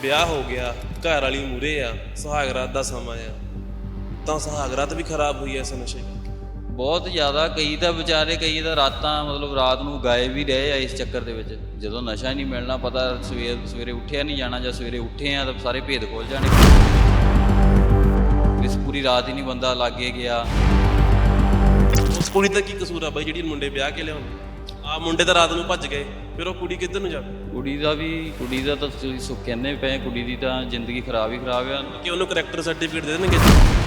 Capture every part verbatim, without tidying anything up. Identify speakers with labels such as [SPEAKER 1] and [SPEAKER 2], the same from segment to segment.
[SPEAKER 1] ਵਿਆਹ ਹੋ ਗਿਆ, ਘਰ ਵਾਲੀ ਮੂਰੇ ਆ, ਸੁਹਾਗਰਾਤ ਦਾ ਸਮਾਂ ਆ, ਤਾਂ ਸੁਹਾਗਰਾਤ ਵੀ ਖਰਾਬ ਹੋਈ ਐ ਇਸ ਨਸ਼ੇ ਕਰਕੇ।
[SPEAKER 2] ਬਹੁਤ ਜ਼ਿਆਦਾ। ਕਈ ਤਾਂ ਵਿਚਾਰੇ, ਕਈ ਤਾਂ ਰਾਤਾਂ ਮਤਲਬ ਰਾਤ ਨੂੰ ਗਾਇਬ ਵੀ ਰਹੇ ਆ ਇਸ ਚੱਕਰ ਦੇ ਵਿੱਚ। ਜਦੋਂ ਨਸ਼ਾ ਹੀ ਨਹੀਂ ਮਿਲਣਾ, ਪਤਾ ਸਵੇਰ ਸਵੇਰੇ ਉੱਠਿਆ ਨਹੀਂ ਜਾਣਾ, ਜਾਂ ਸਵੇਰੇ ਉੱਠੇ ਆ ਤਾਂ ਸਾਰੇ ਭੇਦ ਖੁੱਲ ਜਾਣੇ। ਇਸ ਪੂਰੀ ਰਾਤ ਹੀ ਨਹੀਂ ਬੰਦਾ ਲਾਗੇ ਗਿਆ।
[SPEAKER 1] ਉਸ ਕੁੜੀ ਦਾ ਕੀ ਕਸੂਰ ਆ ਬਾਈ ਜਿਹੜੀ ਮੁੰਡੇ ਵਿਆਹ ਕੇ ਲਿਆਉਂਦੇ ਆ? ਮੁੰਡੇ ਤਾਂ ਰਾਤ ਨੂੰ ਭੱਜ ਗਏ, ਫਿਰ ਉਹ ਕੁੜੀ ਕਿੱਧਰ ਨੂੰ ਜਾਵੇ?
[SPEAKER 2] ਕੁੜੀ ਦਾ ਵੀ ਕੁੜੀ ਦਾ ਤਾਂ ਤੁਸੀਂ ਸੁ ਕਹਿੰਦੇ ਪਏ, ਕੁੜੀ ਦੀ ਤਾਂ ਜ਼ਿੰਦਗੀ ਖਰਾਬ ਹੀ ਖਰਾਬ ਆ।
[SPEAKER 1] ਕਿ ਉਹਨੂੰ ਕਰੈਕਟਰ ਸਰਟੀਫਿਕੇਟ ਦੇ ਦੇਣਗੇ।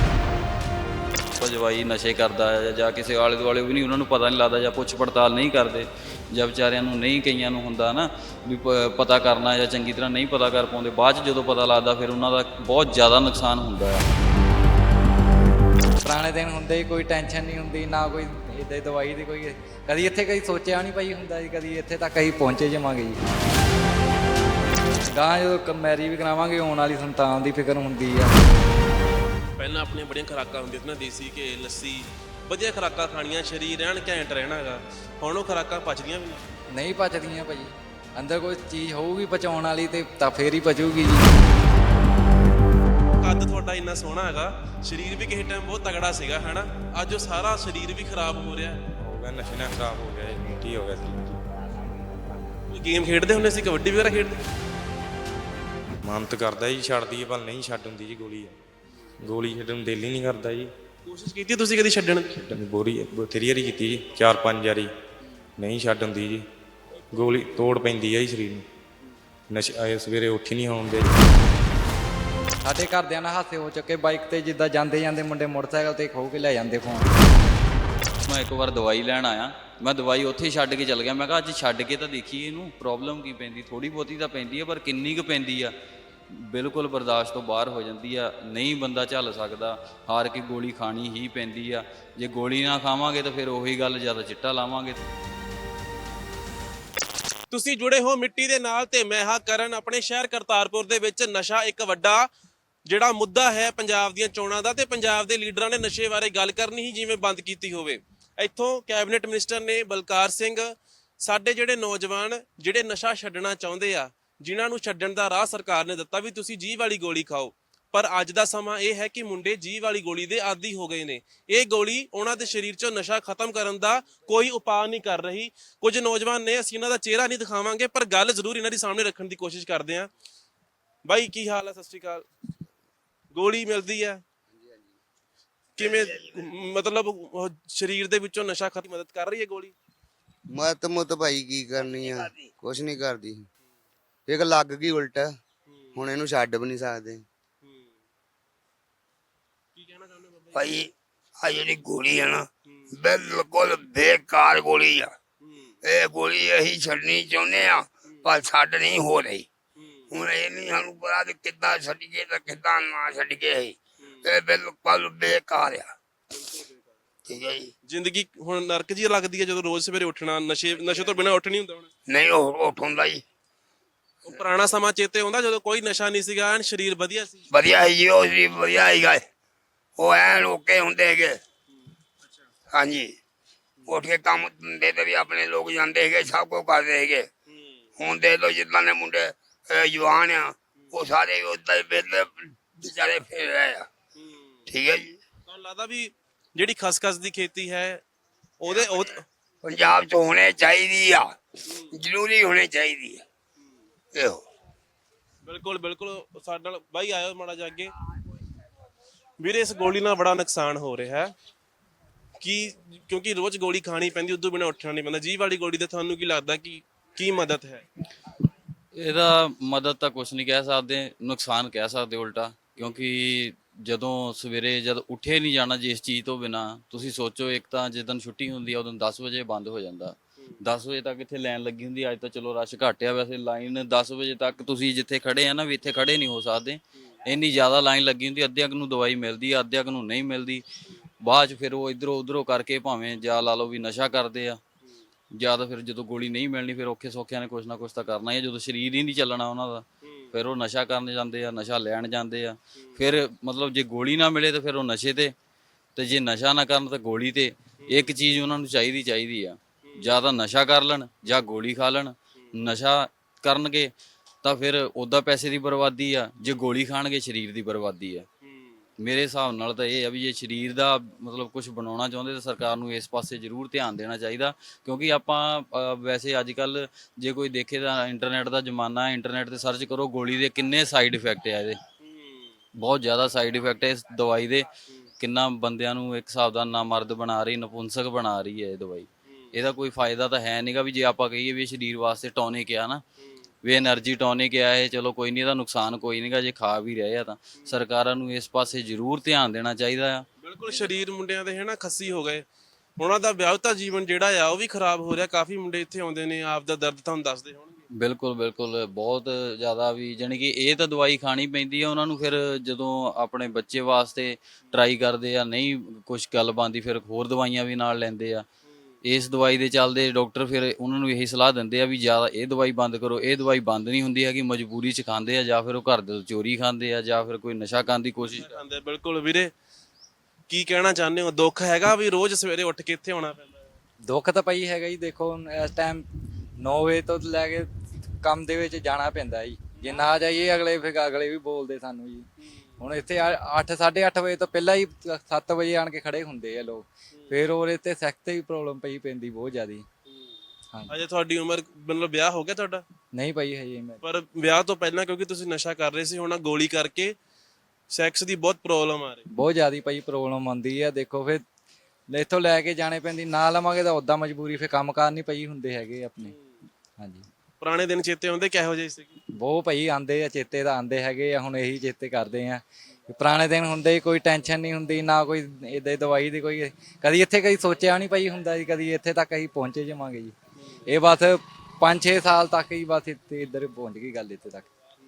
[SPEAKER 2] ਜਵਾਈ ਨਸ਼ੇ ਕਰਦਾ ਹੈ ਜਾਂ ਕਿਸੇ ਆਲੇ ਦੁਆਲੇ ਵੀ ਨਹੀਂ, ਉਹਨਾਂ ਨੂੰ ਪਤਾ ਨਹੀਂ ਲੱਗਦਾ, ਜਾਂ ਪੁੱਛ ਪੜਤਾਲ ਨਹੀਂ ਕਰਦੇ, ਜਾਂ ਵਿਚਾਰਿਆਂ ਨੂੰ ਨਹੀਂ, ਕਈਆਂ ਨੂੰ ਹੁੰਦਾ ਨਾ ਵੀ ਪ ਪਤਾ ਕਰਨਾ, ਜਾਂ ਚੰਗੀ ਤਰ੍ਹਾਂ ਨਹੀਂ ਪਤਾ ਕਰ ਪਾਉਂਦੇ। ਬਾਅਦ 'ਚ ਜਦੋਂ ਪਤਾ ਲੱਗਦਾ ਫਿਰ ਉਹਨਾਂ ਦਾ ਬਹੁਤ ਜ਼ਿਆਦਾ ਨੁਕਸਾਨ ਹੁੰਦਾ ਆ।
[SPEAKER 3] ਪੁਰਾਣੇ ਦਿਨ ਹੁੰਦੇ, ਕੋਈ ਟੈਨਸ਼ਨ ਨਹੀਂ ਹੁੰਦੀ, ਨਾ ਕੋਈ ਇੱਦਾਂ ਦਵਾਈ ਦੀ ਕੋਈ ਕਦੀ ਇੱਥੇ ਕਦੀ ਸੋਚਿਆ ਨਹੀਂ ਪਈ ਹੁੰਦਾ ਜੀ, ਕਦੀ ਇੱਥੇ ਤੱਕ ਅਸੀਂ ਪਹੁੰਚੇ ਜਾਵਾਂਗੇ ਜੀ। ਗਾਂ ਜਦੋਂ ਮੈਰੀ ਵੀ ਕਰਾਵਾਂਗੇ, ਆਉਣ ਵਾਲੀ ਸੰਤਾਨ ਦੀ ਫਿਕਰ ਹੁੰਦੀ ਆ।
[SPEAKER 1] ਪਹਿਲਾਂ ਆਪਣੀਆਂ ਬੜੀਆਂ ਖੁਰਾਕਾਂ ਹੁੰਦੀਆਂ ਸੀ ਨਾ, ਦੇਸੀ ਘੇ, ਲੱਸੀ, ਵਧੀਆ ਖੁਰਾਕਾਂ ਖਾਣੀਆਂ, ਸਰੀਰ ਰਹਿਣ ਘੈਂਟ ਰਹਿਣਾ ਹੈਗਾ। ਹੁਣ ਉਹ ਖੁਰਾਕਾਂ ਪਚਦੀਆਂ ਵੀ ਨਹੀਂ।
[SPEAKER 3] ਨਹੀਂ ਪਚਦੀਆਂ ਭਾਜੀ, ਅੰਦਰ ਕੋਈ ਚੀਜ਼ ਹੋਊਗੀ ਪਚਾਉਣ ਵਾਲੀ ਤੇ ਤਾਂ ਫੇਰ ਹੀ ਪਚੂਗੀ ਜੀ।
[SPEAKER 1] ਕੱਦ ਤੁਹਾਡਾ ਇੰਨਾ ਸੋਹਣਾ ਹੈਗਾ, ਸਰੀਰ ਵੀ ਕਿਸੇ ਟਾਈਮ ਬਹੁਤ ਤਗੜਾ ਸੀਗਾ ਹੈ ਨਾ, ਅੱਜ ਉਹ ਸਾਰਾ ਸਰੀਰ ਵੀ ਖਰਾਬ ਹੋ ਰਿਹਾ
[SPEAKER 4] ਹੋ ਗਿਆ, ਨਸ਼ੇ ਨਾਲ ਖਰਾਬ ਹੋ ਗਿਆ, ਮੋਟੀ ਹੋ ਗਿਆ ਸੀ।
[SPEAKER 1] ਕੋਈ ਗੇਮ ਖੇਡਦੇ ਹੁੰਦੇ ਸੀ, ਕਬੱਡੀ ਵਗੈਰਾ ਖੇਡਦੇ?
[SPEAKER 4] ਮਨ ਤਾਂ ਕਰਦਾ ਜੀ ਛੱਡਦੀ ਹੈ, ਪਰ ਨਹੀਂ ਛੱਡ ਹੁੰਦੀ ਜੀ। ਗੋਲੀ ਗੋਲੀ ਛੱਡਣ ਨੂੰ ਦਿਲ ਹੀ ਨਹੀਂ ਕਰਦਾ ਜੀ।
[SPEAKER 1] ਕੋਸ਼ਿਸ਼ ਕੀਤੀ ਤੁਸੀਂ ਕਦੀ ਛੱਡਣ ਦੀ?
[SPEAKER 4] ਛੱਡਣ ਦੀ ਬੋਰੀ ਬਥੇਰੀ ਵਾਰੀ ਕੀਤੀ ਜੀ, ਚਾਰ ਪੰਜ ਵਾਰੀ, ਨਹੀਂ ਛੱਡ ਹੁੰਦੀ ਜੀ। ਗੋਲੀ ਤੋੜ ਪੈਂਦੀ ਹੈ ਜੀ ਸਰੀਰ ਨੂੰ। ਨਸ਼ੇ ਆਏ ਸਵੇਰੇ ਉੱਠ ਹੀ ਨਹੀਂ ਆਉਂਦੇ।
[SPEAKER 3] ਸਾਡੇ ਘਰਦਿਆਂ ਨਾਲ ਹਾਸੇ ਹੋ ਚੁੱਕੇ, ਬਾਈਕ ਤੇ ਜਿੱਦਾਂ ਜਾਂਦੇ ਜਾਂਦੇ ਮੁੰਡੇ ਮੋਟਰਸਾਈਕਲ ਤੇ ਖੋ ਕੇ ਲੈ ਜਾਂਦੇ ਫੋਨ।
[SPEAKER 2] ਮੈਂ ਇੱਕ ਵਾਰ ਦਵਾਈ ਲੈਣ ਆਇਆ, ਮੈਂ ਦਵਾਈ ਉੱਥੇ ਹੀ ਛੱਡ ਕੇ ਚਲ ਗਿਆ। ਮੈਂ ਕਿਹਾ ਅੱਜ ਛੱਡ ਕੇ ਤਾਂ ਦੇਖੀਏ ਇਹਨੂੰ ਪ੍ਰੋਬਲਮ ਕੀ ਪੈਂਦੀ। ਥੋੜ੍ਹੀ ਬਹੁਤੀ ਤਾਂ ਪੈਂਦੀ ਆ, ਪਰ ਕਿੰਨੀ ਕੁ ਪੈਂਦੀ ਆ ਬਿਲਕੁਲ ਬਰਦਾਸ਼ਤ ਤੋਂ ਬਾਹਰ ਹੋ ਜਾਂਦੀ ਆ। ਨਹੀਂ ਬੰਦਾ ਝੱਲ ਸਕਦਾ, ਹਾਰ ਕੇ ਗੋਲੀ ਖਾਣੀ ਹੀ ਪੈਂਦੀ ਆ। ਜੇ ਗੋਲੀ ਨਾ ਖਾਵਾਂਗੇ ਤਾਂ ਫਿਰ ਉਹੀ ਗੱਲ, ਜ਼ਿਆਦਾ ਚਿੱਟਾ ਲਾਵਾਂਗੇ।
[SPEAKER 1] ਤੁਸੀਂ ਜੁੜੇ ਹੋ ਮਿੱਟੀ ਦੇ ਨਾਲ ਤੇ ਮੈਂ ਹਾਂ ਕਰਨ। ਆਪਣੇ ਸ਼ਹਿਰ ਕਰਤਾਰਪੁਰ ਦੇ ਵਿੱਚ ਨਸ਼ਾ ਇੱਕ ਵੱਡਾ ਜਿਹੜਾ ਮੁੱਦਾ ਹੈ ਪੰਜਾਬ ਦੀਆਂ ਚੋਣਾਂ ਦਾ, ਤੇ ਪੰਜਾਬ ਦੇ ਲੀਡਰਾਂ ਨੇ ਨਸ਼ੇ ਬਾਰੇ ਗੱਲ ਕਰਨੀ ਹੀ ਜਿਵੇਂ ਬੰਦ ਕੀਤੀ ਹੋਵੇ। ਇੱਥੋਂ ਕੈਬਨਿਟ ਮਿਨਿਸਟਰ ਨੇ ਬਲਕਾਰ ਸਿੰਘ ਸਾਡੇ ਜਿਹੜੇ ਨੌਜਵਾਨ ਜਿਹੜੇ ਨਸ਼ਾ ਛੱਡਣਾ ਚਾਹੁੰਦੇ ਆ, ਜਿਨ੍ਹਾਂ ਨੂੰ ਛੱਡਣ ਦਾ ਰਾਹ ਸਰਕਾਰ ਨੇ ਦਿੱਤਾ ਵੀ ਤੁਸੀਂ ਜੀਭ ਵਾਲੀ ਗੋਲੀ ਖਾਓ, ਪਰ ਅੱਜ ਦਾ ਸਮਾਂ ਇਹ ਹੈ ਕਿ ਮੁੰਡੇ ਜੀਭ ਵਾਲੀ ਗੋਲੀ ਦੇ ਆਦੀ ਹੋ ਗਏ ਨੇ। ਇਹ ਗੋਲੀ ਉਹਨਾਂ ਦੇ ਸਰੀਰ 'ਚੋਂ ਨਸ਼ਾ ਖਤਮ ਕਰਨ ਦਾ ਕੋਈ ਉਪਾਅ ਨਹੀਂ ਕਰ ਰਹੀ। ਕੁਝ ਨੌਜਵਾਨ ਨੇ, ਅਸੀਂ ਇਹਨਾਂ ਦਾ ਚਿਹਰਾ ਨਹੀਂ ਦਿਖਾਵਾਂਗੇ, ਪਰ ਗੱਲ ਜ਼ਰੂਰ ਇਹਨਾਂ ਦੀ ਸਾਹਮਣੇ ਰੱਖਣ ਦੀ ਕੋਸ਼ਿਸ਼ ਕਰਦੇ ਹਾਂ। ਬਾਈ ਕੀ ਹਾਲ ਹੈ? ਸਤਿ ਸ਼੍ਰੀ ਅਕਾਲ। ਗੋਲੀ ਮਿਲਦੀ ਹੈ ਕਿਵੇਂ, ਮਤਲਬ ਸਰੀਰ ਦੇ ਵਿੱਚੋਂ ਨਸ਼ਾ ਖਤਮ ਮਦਦ ਕਰ ਰਹੀ ਹੈ ਗੋਲੀ?
[SPEAKER 5] ਮਤ ਮੁੱਤ ਭਾਈ ਕੀ ਕਰਨੀ ਆ, ਕੁਛ ਨਹੀਂ ਕਰਦੀ। ਇੱਕ ਲੱਗ ਗਈ ਉਲਟ, ਹੁਣ ਇਹਨੂੰ ਛੱਡ ਵੀ ਨਹੀਂ ਸਕਦੇ।
[SPEAKER 1] ਕੀ ਕਹਿਣਾ ਚਾਹੁੰਦੇ ਬਾਬਾ?
[SPEAKER 6] ਭਾਈ ਆ ਜਿਹੜੀ ਗੋਲੀ ਹੈ ਨਾ, ਬਿਲਕੁਲ ਬੇਕਾਰ ਗੋਲੀ ਆ। ਇਹ ਗੋਲੀ ਅਸੀਂ ਛੱਡਣੀ ਚਾਹੁੰਦੇ ਆ, ਪਰ ਛੱਡ ਨਹੀਂ ਹੋ ਰਹੀ। ਹੁਣ ਇਹ ਨਹੀਂ ਸਾਨੂੰ ਪਤਾ ਵੀ ਕਿੱਦਾਂ ਛੱਡੀਏ ਤੇ ਕਿੱਦਾਂ ਨਾ ਛੱਡੀਏ। ਇਹ ਬਿਲਕੁਲ ਬੇਕਾਰ ਆ। ਠੀਕ ਹੈ ਜੀ।
[SPEAKER 1] ਜ਼ਿੰਦਗੀ ਹੁਣ ਨਰਕ ਜੀ ਲੱਗਦੀ ਹੈ ਜਦੋਂ ਰੋਜ਼ ਸਵੇਰੇ ਉੱਠਣਾ, ਨਸ਼ੇ ਨਸ਼ੇ ਤੋਂ ਬਿਨਾਂ ਉੱਠ ਨਹੀਂ ਹੁੰਦਾ। ਹੁਣ
[SPEAKER 6] ਨਹੀਂ ਉਹ ਉੱਠ ਹੁੰਦਾ ਜੀ।
[SPEAKER 1] ਉਹ ਪੁਰਾਣਾ ਸਮਾਂ ਚੇਤੇ ਆਉਂਦਾ ਜਦੋਂ ਕੋਈ ਨਸ਼ਾ ਨਹੀਂ ਸੀਗਾ, ਐਨ ਸਰੀਰ ਵਧੀਆ ਸੀ।
[SPEAKER 6] ਵਧੀਆ ਹੈ ਜੀ, ਉਹ ਜੀ ਵਧੀਆ ਹੈਗਾ। ਉਹ ਐਨ ਓਕੇ ਹੁੰਦੇ ਹੈਗੇ। ਹਾਂਜੀ, ਉੱਠ ਕੇ ਕੰਮ ਧੰਦੇ ਤੇ ਵੀ ਆਪਣੇ ਲੋਕ ਜਾਂਦੇ ਹੈਗੇ, ਸਭ ਕੁਝ ਕਰਦੇ ਹੈਗੇ। ਹੁਣ ਦੇਖ ਲਓ ਜਿੱਦਾਂ ਦੇ ਮੁੰਡੇ ਜਵਾਨ ਆ, ਉਹ ਸਾਰੇ ਉਦਾਂ ਹੀ ਵਿਹਲੇ ਵਿਚਾਰੇ ਫਿਰ ਰਹੇ ਆ। ਠੀਕ ਹੈ ਜੀ।
[SPEAKER 1] ਤੁਹਾਨੂੰ ਲੱਗਦਾ ਵੀ ਜਿਹੜੀ ਖਸਖਸ ਦੀ ਖੇਤੀ ਹੈ ਉਹਦੇ ਉਹ
[SPEAKER 6] ਪੰਜਾਬ 'ਚ ਹੋਣੇ ਚਾਹੀਦੀ ਆ, ਜ਼ਰੂਰੀ ਹੋਣੀ ਚਾਹੀਦੀ ਆ। ਇਹੋ
[SPEAKER 1] ਬਿਲਕੁਲ ਬਿਲਕੁਲ। ਸਾਡੇ ਨਾਲ ਬਾਈ ਆਇਓ ਮਾੜਾ ਜਿਹਾ ਅੱਗੇ। ਵੀਰੇ ਇਸ ਗੋਲੀ ਨਾਲ ਬੜਾ ਨੁਕਸਾਨ ਹੋ ਰਿਹਾ ਹੈ ਕਿ ਕਿਉਂਕਿ ਰੋਜ਼ ਗੋਲੀ ਖਾਣੀ ਪੈਂਦੀ, ਉਦੋਂ ਬਿਨਾਂ ਉੱਠਣਾ ਨਹੀਂ ਪੈਂਦਾ। ਜੀਭ ਵਾਲੀ ਗੋਲੀ ਦੇ ਤੁਹਾਨੂੰ ਕੀ ਲੱਗਦਾ ਕਿ ਕੀ ਮਦਦ ਹੈ?
[SPEAKER 2] ਇਹਦਾ ਮਦਦ ਤਾਂ ਕੁਛ ਨਹੀਂ ਕਹਿ ਸਕਦੇ, ਨੁਕਸਾਨ ਕਹਿ ਸਕਦੇ ਉਲਟਾ। ਕਿਉਂਕਿ ਜਦੋਂ ਸਵੇਰੇ ਜਦ ਉੱਠੇ ਨਹੀਂ ਜਾਣਾ ਜਿਸ ਚੀਜ਼ ਤੋਂ ਬਿਨਾਂ, ਤੁਸੀਂ ਸੋਚੋ ਇੱਕ ਤਾਂ ਜਿੱਦਣ ਛੁੱਟੀ ਹੁੰਦੀ ਆ ਉਦੋਂ ਦਸ ਵਜੇ ਬੰਦ ਹੋ ਜਾਂਦਾ। ਦਸ ਵਜੇ ਤੱਕ ਇੱਥੇ ਲਾਈਨ ਲੱਗੀ ਹੁੰਦੀ। ਅੱਜ ਤਾਂ ਚਲੋ ਰਸ਼ ਘੱਟ ਆ, ਵੈਸੇ ਲਾਈਨ ਦਸ ਵਜੇ ਤੱਕ ਤੁਸੀਂ ਜਿੱਥੇ ਖੜੇ ਆ ਨਾ, ਵੀ ਇੱਥੇ ਖੜੇ ਨਹੀਂ ਹੋ ਸਕਦੇ, ਇੰਨੀ ਜ਼ਿਆਦਾ ਲਾਈਨ ਲੱਗੀ ਹੁੰਦੀ। ਅੱਧਿਆਂ ਕੁ ਨੂੰ ਦਵਾਈ ਮਿਲਦੀ ਆ, ਅੱਧਿਆਂ ਕੁ ਨੂੰ ਨਹੀਂ ਮਿਲਦੀ। ਬਾਅਦ 'ਚ ਫਿਰ ਉਹ ਇੱਧਰੋਂ ਉੱਧਰੋਂ ਕਰਕੇ ਭਾਵੇਂ ਜਾਂ ਲਾ ਲਓ ਵੀ ਨਸ਼ਾ ਕਰਦੇ ਆ, ਜਾਂ ਤਾਂ ਫਿਰ ਜਦੋਂ ਗੋਲੀ ਨਹੀਂ ਮਿਲਣੀ ਫਿਰ ਔਖੇ ਸੌਖਿਆਂ ਨੇ ਕੁਛ ਨਾ ਕੁਛ ਤਾਂ ਕਰਨਾ ਹੀ ਆ। ਜਦੋਂ ਸਰੀਰ ਹੀ ਨਹੀਂ ਚੱਲਣਾ ਉਹਨਾਂ ਦਾ, ਫਿਰ ਉਹ ਨਸ਼ਾ ਕਰਨ ਜਾਂਦੇ ਆ, ਨਸ਼ਾ ਲੈਣ ਜਾਂਦੇ ਆ। ਫਿਰ ਮਤਲਬ ਜੇ ਗੋਲੀ ਨਾ ਮਿਲੇ ਤਾਂ ਫਿਰ ਉਹ ਨਸ਼ੇ ਤੇ, ਤੇ ਜੇ ਨਸ਼ਾ ਨਾ ਕਰਨ ਤਾਂ ਗੋਲੀ ਤੇ। ਇੱਕ ਚੀਜ਼ ਉਹਨਾਂ ਨੂੰ ਚਾਹੀਦੀ ਚਾਹੀਦੀ ਆ, ਜਾਂ ਤਾਂ ਨਸ਼ਾ ਕਰ ਲੈਣ ਜਾਂ ਗੋਲੀ ਖਾ ਲੈਣ। ਨਸ਼ਾ ਕਰਨਗੇ ਤਾਂ ਫਿਰ ਉਹਦਾ ਪੈਸੇ ਦੀ ਬਰਬਾਦੀ ਆ, ਜੇ ਗੋਲੀ ਖਾਣਗੇ ਸਰੀਰ ਦੀ ਬਰਬਾਦੀ ਆ। ਮੇਰੇ ਹਿਸਾਬ ਨਾਲ ਤਾਂ ਇਹ ਆ ਵੀ ਜੇ ਸਰੀਰ ਦਾ ਮਤਲਬ ਕੁਝ ਬਣਾਉਣਾ ਚਾਹੁੰਦੇ ਤਾਂ ਸਰਕਾਰ ਨੂੰ ਇਸ ਪਾਸੇ ਜ਼ਰੂਰ ਧਿਆਨ ਦੇਣਾ ਚਾਹੀਦਾ, ਕਿਉਂਕਿ ਆਪਾਂ ਅ, ਵੈਸੇ ਅੱਜ ਕੱਲ ਜੇ ਕੋਈ ਦੇਖੇ ਤਾਂ ਇੰਟਰਨੈਟ ਦਾ ਜ਼ਮਾਨਾ ਹੈ, ਇੰਟਰਨੈਟ ਤੇ ਸਰਚ ਕਰੋ ਗੋਲੀ ਦੇ ਕਿੰਨੇ ਸਾਈਡ ਇਫੈਕਟ ਆ, ਇਹਦੇ ਬਹੁਤ ਜ਼ਿਆਦਾ ਸਾਈਡ ਇਫੈਕਟ ਹੈ ਇਸ ਦਵਾਈ ਦੇ। ਕਿੰਨਾ ਬੰਦਿਆਂ ਨੂੰ ਇੱਕ ਹਿਸਾਬ ਦਾ ਨਾਮਰਦ ਬਣਾ ਰਹੀ, ਨਪੁੰਸਕ ਬਣਾ ਰਹੀ ਹੈ ਇਹ ਦਵਾਈ। ਇਹਦਾ ਕੋਈ ਫਾਇਦਾ ਤਾਂ ਹੈ ਨਹੀਂਗਾ ਵੀ ਜੇ ਆਪਾਂ ਕਹੀਏ ਵੀ ਸਰੀਰ ਵਾਸਤੇ ਟੌਨਿਕ ਆ ਨਾ, ਵੀ એનર્ਜੀ ਟੌਨਿਕ ਆ ਇਹ, ਚਲੋ ਕੋਈ ਨਹੀਂ, ਇਹਦਾ ਨੁਕਸਾਨ ਕੋਈ ਨਹੀਂਗਾ ਜੇ ਖਾ ਵੀ ਰਹੇ ਆ ਤਾਂ। ਸਰਕਾਰਾਂ ਨੂੰ ਇਸ ਪਾਸੇ ਜ਼ਰੂਰ ਧਿਆਨ ਦੇਣਾ ਚਾਹੀਦਾ ਆ।
[SPEAKER 1] ਬਿਲਕੁਲ ਸਰੀਰ ਮੁੰਡਿਆਂ ਦੇ ਹੈ ਨਾ ਖੱਸੀ ਹੋ ਗਏ, ਉਹਨਾਂ ਦਾ ਵਿਆਹੁਤਾ ਜੀਵਨ ਜਿਹੜਾ ਆ ਉਹ ਵੀ ਖਰਾਬ ਹੋ ਰਿਹਾ। ਕਾਫੀ ਮੁੰਡੇ ਇੱਥੇ ਆਉਂਦੇ ਨੇ, ਆਪ ਦਾ ਦਰਦ ਤੁਹਾਨੂੰ ਦੱਸਦੇ ਹੋਣਗੇ।
[SPEAKER 2] ਬਿਲਕੁਲ ਬਿਲਕੁਲ ਬਹੁਤ ਜ਼ਿਆਦਾ ਵੀ ਜਾਣੀ ਕਿ ਇਹ ਤਾਂ ਦਵਾਈ ਖਾਣੀ ਪੈਂਦੀ ਆ ਉਹਨਾਂ ਨੂੰ। ਫਿਰ ਜਦੋਂ ਆਪਣੇ ਬੱਚੇ ਵਾਸਤੇ ਟਰਾਈ ਕਰਦੇ ਆ, ਨਹੀਂ ਕੁਛ ਗੱਲ ਬਣਦੀ, ਫਿਰ ਹੋਰ ਦਵਾਈਆਂ ਵੀ ਨਾਲ ਲੈਂਦੇ ਆ। ਇਸ ਦਵਾਈ ਦੇ ਚੱਲਦੇ ਡਾਕਟਰ ਫਿਰ ਉਹਨਾਂ ਨੂੰ ਇਹੀ ਸਲਾਹ ਦਿੰਦੇ ਆ ਵੀ ਜ਼ਿਆਦਾ ਇਹ ਦਵਾਈ ਬੰਦ ਕਰੋ। ਇਹ ਦਵਾਈ ਬੰਦ ਨਹੀਂ ਹੁੰਦੀ ਹੈਗੀ, ਮਜਬੂਰੀ 'ਚ ਖਾਂਦੇ ਆ, ਜਾਂ ਫਿਰ ਉਹ ਘਰ ਦੇ ਚੋਰੀ ਖਾਂਦੇ ਆ, ਜਾਂ ਫਿਰ ਕੋਈ ਨਸ਼ਾ ਕਰਨ ਦੀ ਕੋਸ਼ਿਸ਼
[SPEAKER 1] ਖਾਂਦੇ। ਬਿਲਕੁਲ ਵੀਰੇ, ਕੀ ਕਹਿਣਾ ਚਾਹੁੰਦੇ ਹੋ? ਦੁੱਖ ਹੈਗਾ ਵੀ ਰੋਜ਼ ਸਵੇਰੇ ਉੱਠ ਕੇ ਇੱਥੇ ਆਉਣਾ ਪੈਂਦਾ?
[SPEAKER 3] ਦੁੱਖ ਤਾਂ ਭਾਈ ਹੈਗਾ ਜੀ। ਦੇਖੋ ਹੁਣ ਇਸ ਟਾਈਮ ਨੌ ਵਜੇ ਤੋਂ ਲੈ ਕੇ ਕੰਮ ਦੇ ਵਿੱਚ ਜਾਣਾ ਪੈਂਦਾ ਜੀ। ਜੇ ਨਾ ਜਾਈਏ ਅਗਲੇ ਫਿਰ ਅਗਲੇ ਵੀ ਬੋਲਦੇ ਸਾਨੂੰ ਜੀ। ਹੁਣ ਇੱਥੇ ਅੱਠ ਸਾਢੇ ਅੱਠ ਵਜੇ ਤੋਂ ਪਹਿਲਾਂ ਹੀ ਸੱਤ ਵਜੇ ਆਣ ਕੇ ਖੜੇ ਹੁੰਦੇ ਆ ਲੋਕ। ਫਿਰ ਹੋਰ ਇੱਥੇ ਸੈਕਸ ਤੇ ਵੀ ਪ੍ਰੋਬਲਮ ਪਈ ਪੈਂਦੀ ਬਹੁਤ ਜ਼ਿਆਦੀ। ਹਾਂਜੀ।
[SPEAKER 1] ਅਜੇ ਤੁਹਾਡੀ ਉਮਰ, ਮਤਲਬ ਵਿਆਹ ਹੋ ਗਿਆ ਤੁਹਾਡਾ?
[SPEAKER 3] ਨਹੀਂ ਭਾਈ ਹਜੇ ਮੈਂ।
[SPEAKER 1] ਪਰ ਵਿਆਹ ਤੋਂ ਪਹਿਲਾਂ ਕਿਉਂਕਿ ਤੁਸੀਂ ਨਸ਼ਾ ਕਰ ਰਹੇ ਸੀ, ਹੁਣ ਗੋਲੀ ਕਰਕੇ ਸੈਕਸ ਦੀ ਬਹੁਤ ਪ੍ਰੋਬਲਮ ਆ ਰਹੀ।
[SPEAKER 3] ਬਹੁਤ ਜ਼ਿਆਦੀ ਭਾਈ ਪ੍ਰੋਬਲਮ ਆਉਂਦੀ ਆ। ਦੇਖੋ ਫਿਰ ਇੱਥੋਂ ਲੈ ਕੇ ਜਾਣੇ ਪੈਂਦੀ, ਨਾ ਲਵਾਂਗੇ ਤਾਂ ਉੱਦਾਂ ਮਜਬੂਰੀ, ਫਿਰ ਕੰਮ ਕਾਰ ਨਹੀਂ ਪਈ ਹੁੰਦੇ ਹੈਗੇ ਆਪਣੇ। ਹਾਂਜੀ।
[SPEAKER 1] ਪੁਰਾਣੇ ਦਿਨ ਚੇਤੇ ਆਉਂਦੇ ਕਿਹੋ ਜਿਹੇ ਸੀਗੇ?
[SPEAKER 3] ਬਹੁਤ ਭਾਈ ਆਂਦੇ ਆ, ਚੇਤੇ ਤਾਂ ਆਂਦੇ ਹੈਗੇ ਆ। ਹੁਣ ਇਹੀ ਚੇਤੇ ਕਰਦੇ ਆ। ਪੁਰਾਣੇ ਦਿਨ ਹੁੰਦੇ, ਕੋਈ ਟੈਨਸ਼ਨ ਨਹੀਂ ਹੁੰਦੀ, ਨਾ ਕੋਈ ਏਦਾਂ ਦੀ ਦਵਾਈ ਦੀ ਕੋਈ, ਕਦੀ ਇੱਥੇ ਕਦੀ ਸੋਚਿਆ ਨਹੀਂ ਭਾਈ ਹੁੰਦਾ ਜੀ, ਕਦੀ ਇੱਥੇ ਤੱਕ ਅਸੀਂ ਪਹੁੰਚੇ ਜਾਵਾਂਗੇ ਜੀ। ਇਹ ਬਸ ਪੰਜ ਛੇ ਸਾਲ ਤੱਕ ਹੀ ਬਸ ਇੱਥੇ ਇੱਧਰ ਪਹੁੰਚ ਗਈ ਗੱਲ ਇੱਥੇ ਤੱਕ।